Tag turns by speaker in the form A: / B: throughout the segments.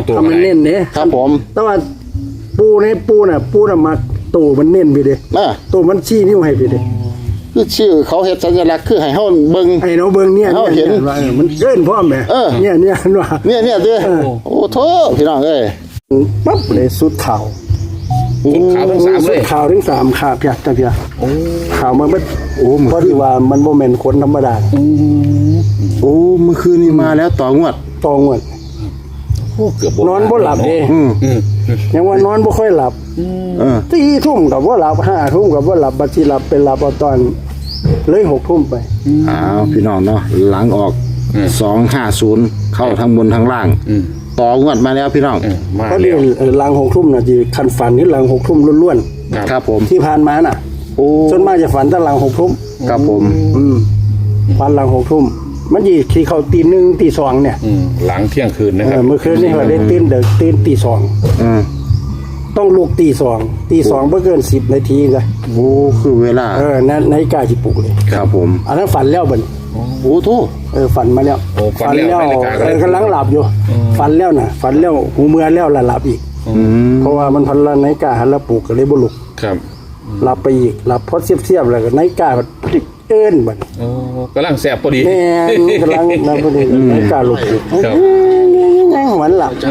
A: ทำมันเน้นเนี่ย
B: ครับผม
A: แต่ว่าปูน่ะมาตูมันเน้นไปเด้ตูมันชี้นิ้วให้ไปเด้
B: คือชื่อเขาเฮ็ดสัญลักษณ์คือให้เฮาเบิ่ง
A: ไอ้เราเบิ่งเนี่ยเห็นว่ามันเกินพร้อมแหมเนี่ยว่า
B: เนี่ยเด้อโอ้โธ่พี่น้องเอ้ย
A: ปั๊บเลยสุดข่าว
C: ขาวทั้งสามเลย
A: ข่าวทั้ง3ข่าวเพียจ้ะเพียข่าวมันเพราะที่ว่ามันบ่แม่นคนธรรมดา
B: โอ้เมื่อคืนนี้มาแล้วต่องวด
A: ตองวด
C: เกือบ
A: นอนบ่หลับเด้ยังว่านอนบ่ค่อยหลับ4 ทุ่มก็บ่หลับ5 ทุ่มก็บ่หลับบัดสิหลับเป็นหลับเอาตอนเลย6 ทุ่มไป
B: อ้าวพี่น้องเนาะหลังออก250เข้าทั้งบนทั้งล่างต่องวดมาแล้วพี่น้อง
C: มา
A: ก็
C: แล้
A: เดี๋ยว วหลัง6 ทุ่มน่ะสิคันฝันนี่หลัง6 ทุ่มล้วน
B: ครับผม
A: ๆที่ผ่านมาน่ะ
B: โอ้
A: ส่วนมากจะฝันแต่หลัง6 ทุ่ม
B: ครับผม
A: ฝันหลัง6 ทุ่มมันสิที่เข้าตี 1ตี 2เนี่ย
C: หลังเที่ยงคืนนะครับ
A: เมื่อคืนนี่เราได้ตื่นตี 2ต้องลุกตี 2ตี 2บ่เกิน10 นาทีจ้ะ
B: โอ้คือเวลา
A: นาฬิกาสิปลุกเลย
B: ครับผม
A: อันนั้นฝันแล้วบัด
B: โอ้โธ่
A: ฝันมาแล้ว
C: ฝันแล้วนาฬิกาก็เลย
A: กำลังหลับอยู่ฝันแล้วน่ะฝันแล้วหูเมื่อแล้วล่ะหลับอีกเพราะว่ามันพันละนาฬิกาหันละปลุกก็เลยบ่ลุก
C: ครับ
A: หลับไปอีกหลับพอเสียบๆแล้วก็นาฬิกาก็เอิ้นบัด
C: โอ้กำลังแสบพอดี
A: แม่นกำลังนั่นพอดีนาฬิกาลุกอยู่
C: ครับ
A: ยังหวันหลับ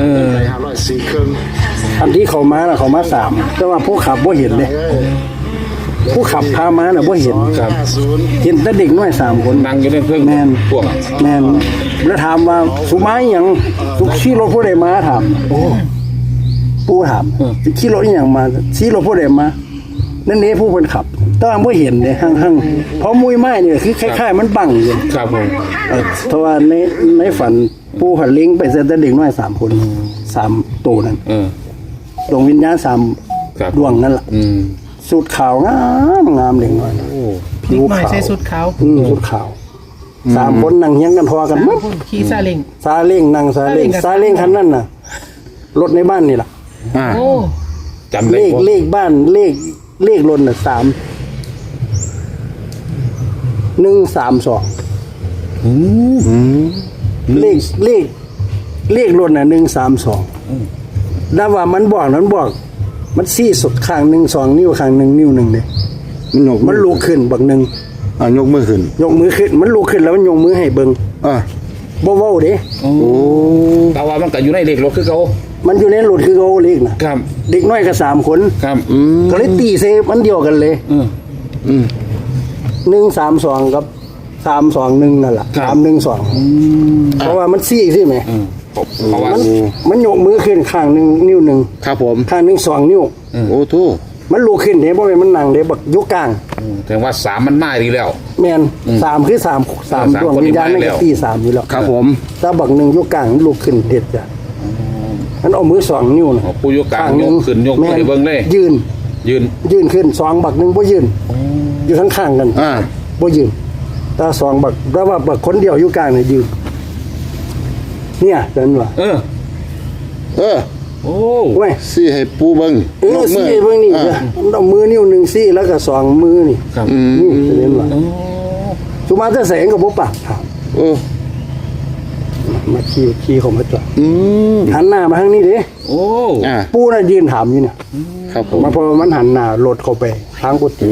A: อันที่เขามาน่ะเขามา3แต่ว่าผู้ขับบ่เห็นเด้ผู้ขับพามาน่ะบ่เห็น
C: ครับ
A: เห็นแต่เด็กน้อย3 คน
C: นั่งอยู่ในเครื่อง
A: แม่น
C: พวก
A: แม่นแล้วถามว่าสุมาอีหยังสุขี่รถผู้ใดมาถามโอ้ปู่ถามขี่รถอีหยังมาขี่รถผู้ใดมานั่นเด้ผู้เพิ่นขับแต่ว่าบ่เห็นเด้หั่งๆเพราะมุ้ยไม้นี่คือคล้ายๆมันบังอยู่
C: ครับผม
A: เพราะว่าในฝันปู่หันลิงไปเส้นแต่เด็กน้อย3 คน3ตัวนั้นดวงวิญญาณ
C: ครับ
A: 3ดวงนั่นล่ะสุดขาวงามเด็กน้อย
C: โอ้
A: ผิว
D: หน่อย
A: ขาว
D: ใส่สุดขาว
A: สุดขาว3 คนนั่งเฮียงกันพอกันหมด
D: คนขี่ซาเล้ง
A: ซาเล้งนั่งซาเล้ง
D: ซาเล้ง
A: คันนั้นน่ะรถในบ้านนี่ล่ะ
D: โอ้
C: จำได้
A: เลขบ้านเลขรถน่ะ132เลขรถน่ะ132แล้วว่ามันบอกมันซี่สุดข้าง1 2นิ้วข้าง1นิ้ว1เด้มันลุกขึ้นบักหนึง
B: ยกมือขึ้น
A: ยกมือขึ้นมันลุกขึ้นแล้วมันยกมือให้เบิ่ง บ่เว้าเด้
C: โอ้แต่ว่ามันก็อยู่ในเลขรถคือเขา
A: มันอยู่ในรถคือเขาเลขน่ะ
C: ครับ
A: เด็กน้อยก็3 คน
C: ครับ
A: ก็เลยตีเซมันเดียวกันเลย 132กับ321นั่นล่ะ312เพราะว่ามันซี่ใช่ไหม
C: เพราะว่า
A: มันยกมือขึ้นข้างหนึงนิ้วหนึง
B: ครับผม
A: ข้างหนึง2 นิ้ว
B: โอ้โธ่
A: มันลุกขึ้นเด้บ่แม่นมันนั่งเด้บักอยู่กลาง
C: ถึงว่า3มันมาดีแล้ว
A: แม่น3คือ3ดวงวิญญาณนั่นก็ตี3อยู่แล้ว
B: ครับผม
A: ถ้าบักหนึงอยู่กลางมันลุกขึ้นเด็ดจ้ะมันเอามือ2 นิ้วน่ะ
C: ผู้ยกกลางยกขึ้นยกไปเบิ่งเลย
A: ยืน
C: ยืน
A: ขึ้น2บักหนึงบ่ยืนอยู่ข้างๆกัน บ่ยืนถ้า2บักแต่ว่าบักคนเดียวอยู่กลางนี่ยืนเนี่ยจังว่า
C: โอ้
A: เว้ย
B: สิให้ปูเบิ่ง
A: ซี่เบิ่งนี่เอามือนิ้วหนึงซี่แล้วก็2มือนี่
C: ครับ
A: นี่จะเห็นว่าสุมาจะแสงกับบ่ปากถาม
B: โอ้
A: มาขี่เข้ามาจอดหันหน้ามาทางนี้เด้
C: โอ้
A: ปู่น่ะยืนถามอยู่เนี่ย
B: ครับผม
A: มาพอมันหันหน้ารถเข้าไปทางกุฏิ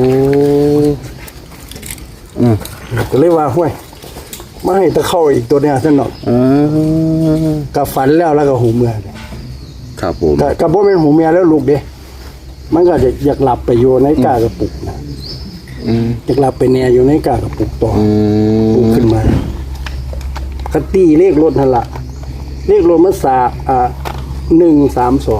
A: ก็เลยว่าห้วยมาให้ตะเข้าอีกตัวเนี่ยซะหน่อยก็ฝันแล้วก็หูเมื่อ
B: ครับผม
A: ก็บ่แม่นหูเมียแล้วลูกเด้มันก็จะอยากหลับไปอยู่ในกากระปุกนะอยากหลับไปแน่อยู่ในกากระปุกต่อปลุกขึ้นมาคตีเลขรถนั่นล่ะเลขรถมัน132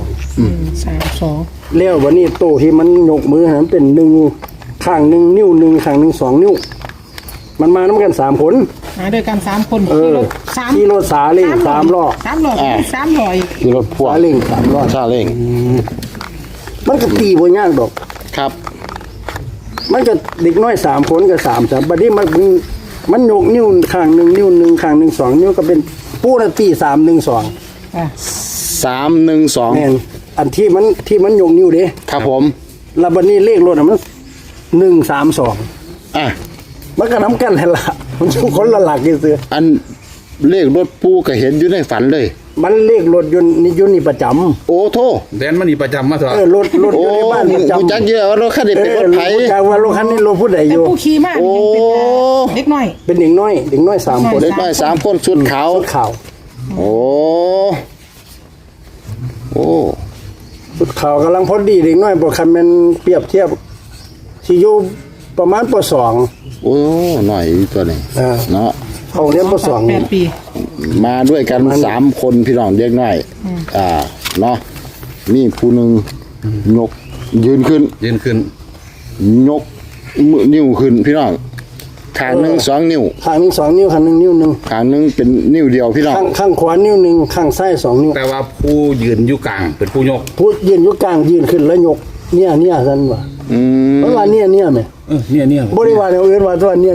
D: 32
A: แล้ววันนี้โตที่มันยกมือนั้นเป็น1ข้าง1นิ้ว1ข้าง1 2นิ้วมันมานำกัน3 คน
D: มาด้วยกัน3 คน
A: ขี่รถสาเล้ง3 ล้อ
D: 3 ล้อ3 ล้ออีก
B: คือรถพ่วง
A: สาเล้ง3 ล้อ
B: ซาเล้ง
A: มันก็ตีบ่ยากดอก
B: ครับ
A: มันก็เด็กน้อย3 คนก็3บัดนี้มันยกนิ้วข้าง1นิ้ว1ข้าง1 2นิ้วก็เป็นปูนาตี312
B: 312
A: แม่นอันที่มันยกนิ้วเด้
B: ครับผม
A: แล้วบัดนี้เลขรถมัน132มันก็นำกันแหละมันทุกคนละหลักซื่อ
B: อันเลขรถปูก็เห็นอยู่ในฝันเลย
A: มันเลขรถยนต์นี่ประจำ
B: โอ้โท
C: แดนมันนี่ประจำมาเถอะ
A: รถอ
B: โอ้
A: ยู่ในบ้านประจำ
B: กูจักเยอะว่ารถคันนี้เป็นรถไถ
A: จากว่ารถคันนี้รถผู้ใดอ
D: แต่
A: ยู่
D: ผู้ขี่มากนี่ยังเป็นเด็กน้อย
A: เป็นเด็กน้อย3 คน
B: เด็กน้อย3คนชุดขาว
A: ชุดขาว
B: โอ้โอ้
A: ชุดขาวกำลังพอดีเด็กน้อยบ่คันแม่นเปรียบเทียบสิอยู่ประมาณป .2
B: โอ้หน่อยตัวนี้ เนาะ
A: เขาเรียนป
D: 8 ปี
B: มาด้วยกัน3คนพี่น้องเด็กน้อยเนาะนี่ผู้หนึงยกยืนขึ้น
C: ยืนขึ้น
B: ยกมือนิ้วขึ้นพี่น้องข้างหนึง2 นิ้ว
A: 2ข้างหนึง2 นิ้วข้างหนึงนิ้วหนึง
B: ข้างหนึงเป็นนิ้วเดียวพี่น้อง
A: ข้างขวานิ้วหนึงข้างซ้าย2 นิ้ว
C: แต่ว่าผู้ยืนอยู่กลางเป็นผู้ยก
A: ผู้ยืนอยู่กลางยืนขึ้นแล้วยกเนี่ยซั่นว่า
B: อืม
A: เพราะว่าเนี่ยแม่
C: เนี่ย
A: บ่ได้ว่าอย่างอื่นว่าตัวเนี่ย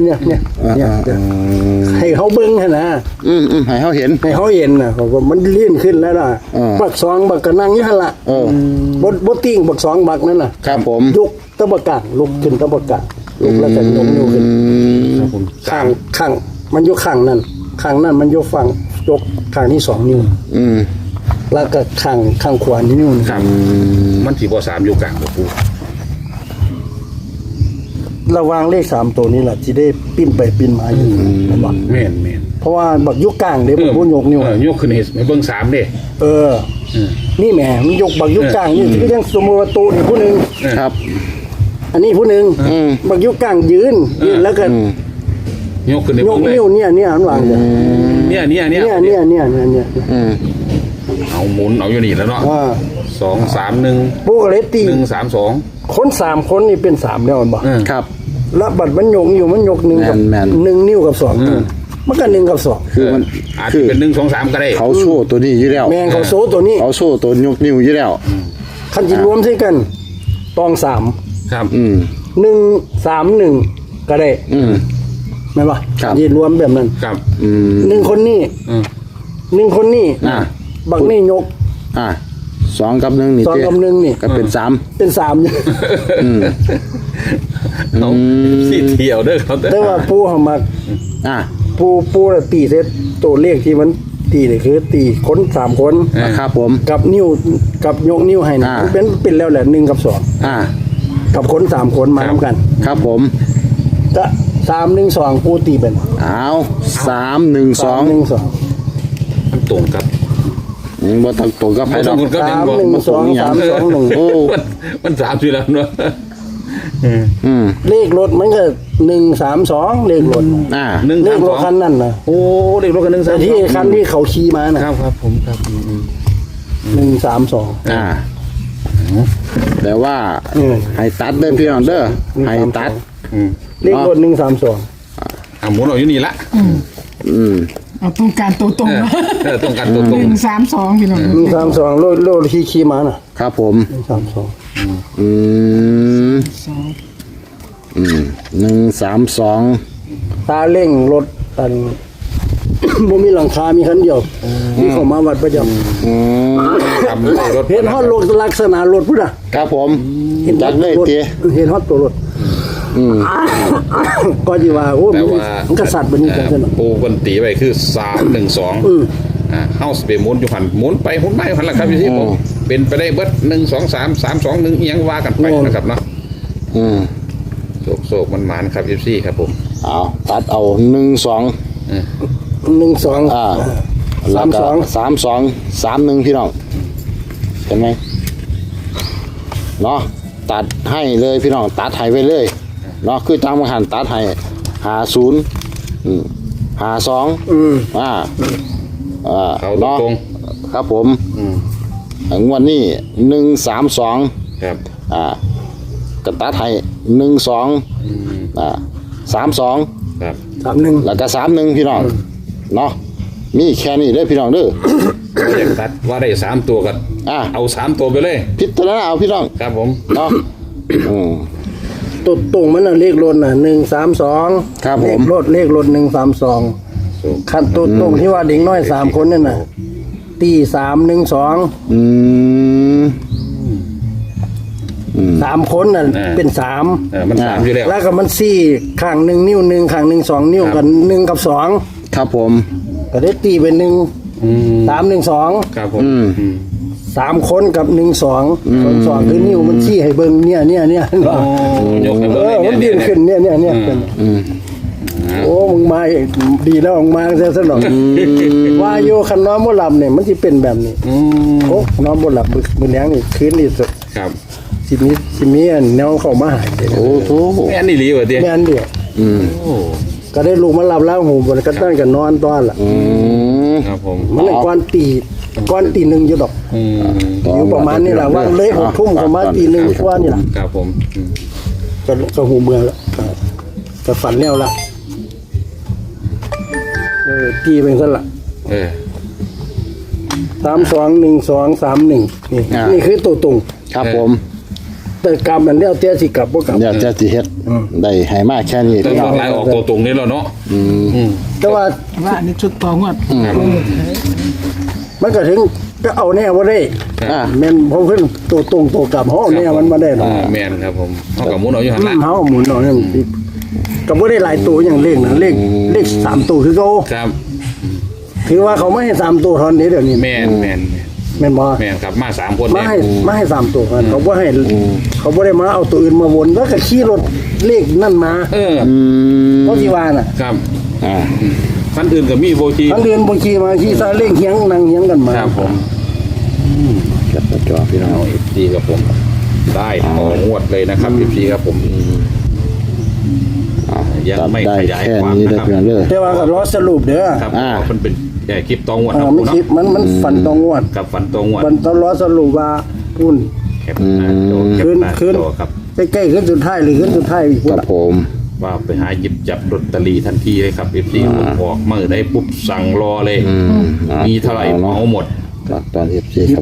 A: ให้เขาเบิ่งหั่นนะ
B: ให้เฮาเห็น
A: ให้เขาเห็นน่ะเขาก็มันเลื่อนขึ้นแล้วล่ะ บัก2บักก็นั่งอยู่หั่นล่ะบ่ติ้งบัก2บักนั่นน่ะ
B: ครับผม
A: ยกตะบะกางลุกขึ้นตะบะกางลุกแล้วก็ยกนิ้วขึ้น
C: ครับผม
A: ข้างมันอยู่ข้างนั้นมันอยู่ฝั่งยกข้างที่2นิ้ว
B: อืม
A: แล้วก็ข้างขวานิ้วนึง
C: ครับมันสิบ่3อยู่กลางบ่ปู
A: ระวังเลข3ตัวนี้ล่ะสิได้ปิ้นไปปิ้นมาอยู่บ่
C: แม่น
A: เพราะว่าบักยุกกลางเด้บ่พูดยกนิ้วย
C: กขึ้นให้เบิ่ง3เด้
A: นี่แหมมันยกบักยุกกลางนี่คือยังสมมุติว่าตัวนี่ผู้หนึง
B: ครับ
A: อันนี้ผู้หนึงบักยุกกลางยืนแล้วก็
C: ยกขึ้นให้
A: ย
C: เบิ่
A: ก
C: งเลย
A: นิ้วเนี่ยมันวางเนี่ย
C: เนี่ย
B: อืม
C: เอาหมุนเอาอยู่นี่แล้วเนาะ 2 3 1
A: ปูก็เลยตี
C: 1 3 2
A: คน3คนนี่เป็น3แล้วมันบ่
B: ครับ
A: แล้วบัดมันยกอยู่มันยก1กับ
B: แม่น
A: 1นิ้วกับ2มันก็1กับ2
B: คือมัน
C: อาจ
B: คื
C: จะ
B: อ
C: เป็น1 2 3ก็ได้
B: เขาโชว์ตัวนี้อยู่แล้ว
A: แมงเขาโซตัวนี้
B: เขาโชว์ตัวยกนิ้วอยู่แล้ว
A: คันจิรวมใส่กันตอง3
C: ครับ
B: อืม
A: 1 3 1ก็ได้
B: อืม
A: แม่นบ่
B: ครับ
A: จิรวมแบบนั้น
C: ครับ
B: อืม
A: 1คนนี้
C: อืม
A: 1คนนี้ บักนี่ยก
B: 2 กับ 1นี่
A: 2กับ1นี่
B: ก็เป็น3
A: เป็น3อยู่
C: เอาสิเที่ยวเด้อเขา
A: แต่ว่าปูเฮามัก ปูน่ะตีเสร็จตัวเลขที่มันตีนี่คือตีคน3คน
B: ครับผม
A: กับนิ้วกับยกนิ้วให้นี่มันเป็นแล้วแหละ1กับ2กับคน3คนมานํกัน
B: ครับผม
A: ก็3 1 2ปูตีเป็น
B: เอา3 1 2
A: 1 2
C: มันตรงกับ
B: บ่ต้องตรงกับไผดอก
C: บ่ต้อง
A: 3 1 2 3 2 1
B: โอ้
C: มัน3อยู่แล้วเนาะ
B: อืม
A: เลขรถมันก็1 3 2เลขรถ
C: 1
A: เลขรถ
C: 3
A: คันนั้นน่ะ
C: โอ้เด็กรถกัน1
A: แต่
C: 3
A: ที่คันที่เขาขี่มาน่ะ
C: ครับผมครับ
A: 1 3 2
B: แต่ว่าให้ตัดเด้อพี่น้องเด้อให้ตัด
A: เลขรถ1 3 2
C: หมุนเอาอยู่นี่ละ
B: อืม
D: เอาต้องการตัวตรงนะ
C: ต้องการตัวตรง
D: 132พี่น้อง
A: 1 3 2โลดขี่มาน่ะ
B: ครับผม
A: 1 3 2
B: อืม 1 3 2
A: ตาเร่งรถอัน บ่มีหลังคามีคันเดียวนี่เขามาวัดประจำ
B: อืม
C: ทำรถ
A: เห็นฮอดรถลักษณะรถพุ่นน่ะ
B: ครับผมจัดเลย
A: รถ
B: เตี้ย
A: เห็นฮอดตัวรถก็สิว่าโอ้มันกษัตริย์บัดนี้กันซั่นน่ะ
C: ปูคนตีไปคือ312เฮาสิไปหมุนอยู่หันหมุนไปหมุนมาอยู่หันล่ะครับอยู่ที่ผมเป็นไปได้เบิด1 2 3 3 2 1อีหยังว่ากันไปนะครับเนาะ
B: อืม
C: โศกมันหมานครับ14ครับผม
B: เอาตัดเอา1 2
A: 1 2
B: แล้วก็3 2 3 1พี่น้องเห็นไหมเนาะตัดให้เลยพี่น้องตัดให้ไปเลยเนาะคือตามหันตัดให้50 52
C: เอา
B: เนาะ
C: ตรง
B: ครับผมงวดนี้132
C: ครับ
B: ก็ตัดให้12 32
C: ครับ
A: 31
B: แล้วก็31พี่น้องเนาะมีแค่นี้เด้อพี่น้องเด้อ
C: อยากตัดว่าได้3ตัวกันเอา3ตัวไปเลย
B: พิจารณาเอาพี่น้อง
C: ครับผม
B: เนาะ
A: ตัวตรงมันน่ะเลขรถน่ะ132
B: ครับผม
A: เลขรถ132คันตัวตรงที่ว่าเด็กน้อย3คนนั่นน่ะตี312 3คนน่ะเป็น3
C: มัน3อยู่แล้ว
A: แล้วก็มัน4ข้าง1นิ้ว1ข้าง1 2นิ้วกัน1กับ2
B: ครับผม
A: ก็ได้ตีเป็น1
C: อืม
A: 3 1 2
C: ครับผม
A: 3 คนกับ1 2คนสองคือนิ้วมันชี้ให้เบิ่งเนี่ย
C: โอ้ยกให้
A: เอ
C: เบิ่ง
A: อ
C: เลย
A: มัน
C: เนี่
A: ยื
C: ย
A: นขึ้นเนี่ยโอ้มึงมาดีแล้วมึงมาซะซะหน่อยว่าอยู่คันนอนบ่หลับเนี่ยมันสิเป็นแบบนี้
C: อืม
A: โอ้นอนบ่หลับมื้อแลงนี่คืนนี่
C: ครับ
A: สิมีอันแนวเข้ามาหาเด้
B: โอ้โห
C: แม่นนี่หลีวะเตี้ย
A: แม่นเดียว
C: โอ้
A: ก็ได้ลูกมาหลับแล้วหูบนก็ตั้งกันนอนตอนล่ะ
C: ครับผม
A: มันเลยก่อนตีหนึ่งอยู่ดอก
C: อืม
A: อยู่ประมาณนี้แหละว่าเลย6 ทุ่มประมาณตีหนึ่งกว่านี่ล่ะ
C: ครับผมอืม
A: ก็หูเมืองแล้วก็ฝันแล้วล่ะตีเป็นซั่นล่ะ
C: เออ
A: 321231นี่คือตัวตรง
B: ครับผม
A: แต่กรรมมันแล้วแต่สิกลับบ่กลับ
B: เดี๋ยวจะสิเฮ็ดได้ให้มากแค่นี้
C: ต้
B: พี่น้
C: อ
B: อง
C: งไล่ออกตัวตรงนี้แล้วเนาะม
A: แต่ว่า
D: ว่าอันนี้ชุดต่องวด
C: ครับ
A: มันก็ถึงก็เอาแน่บ่ได้
B: อ่า
A: แม่นผมขึ้นตัวตรงตัวกลับเฮาแน่มันบ่ได้หรอก
C: แม่นครับผมเท่ากับมุนเอาอยู่หันละ
A: เฮาหมุนเอาเนี่ยก็บ่ได้หลายตัวอย่างเลขนะเลข3ตัวคือเขา
C: ครับ
A: ถือว่าเขาไม่ให้3ตัวเท่านี้เดี๋ยวนี้
C: แม่น
A: แม่นบ่
C: ครับมา3คน
A: มา
C: เนี่ย
A: ให้3ตัวกันเขาบ่ให้เขาบ่ได้มาเอาตัวอื่นมาวนแล้วก็ขี่รถเลขนั่นมา
C: เออ
A: เพราะที่ว่าน่ะ
C: ครับ
B: อ่า
C: คันอื่นก็มีโบชี
A: ทั้งเดือนบ่ขี่มาขี่ซาเล้งเฮียงนั่งเฮียงกันมา
C: ครับผม
B: แคปหน้าจอพี่น้อง
C: เอาดีครับผม ได้ต่องวดเลยนะครับพี่ครับผม ยัง
B: ตัด
C: ไม่
B: ได้
C: ขยาย
B: แค่
C: ความ
B: นี้
C: นะ
B: ได้
C: ครับ
B: เพียงเด้อ
A: แต่ว่าก็รอสรุปเด้อ
C: ครับมันเป็นคลิปต่องวดครับ
A: ไม่
C: ผม
A: คิด
C: เนาะ
A: มันฝันตรงงวด
C: กับฝันต่องวด
A: มันต้องรอสรุปว่าพุ่น
C: แคปหน้าจอแคปหน้า
A: คืน
C: จอครับ
A: ใกล้ๆขึ้นสุดท้ายหรือขึ้นสุดท้ายอีก
B: ค
A: พุ่น
B: รับ
A: ล่ะ
B: ผม
C: ว่าไปหาหยิบจับลอตเตอรี่ทันทีเลยครับพี่ผมออกมือได้ปุ๊บสั่งรอเลย มีเท่าไหร่เหมาหมด
B: ตอน FC ครับ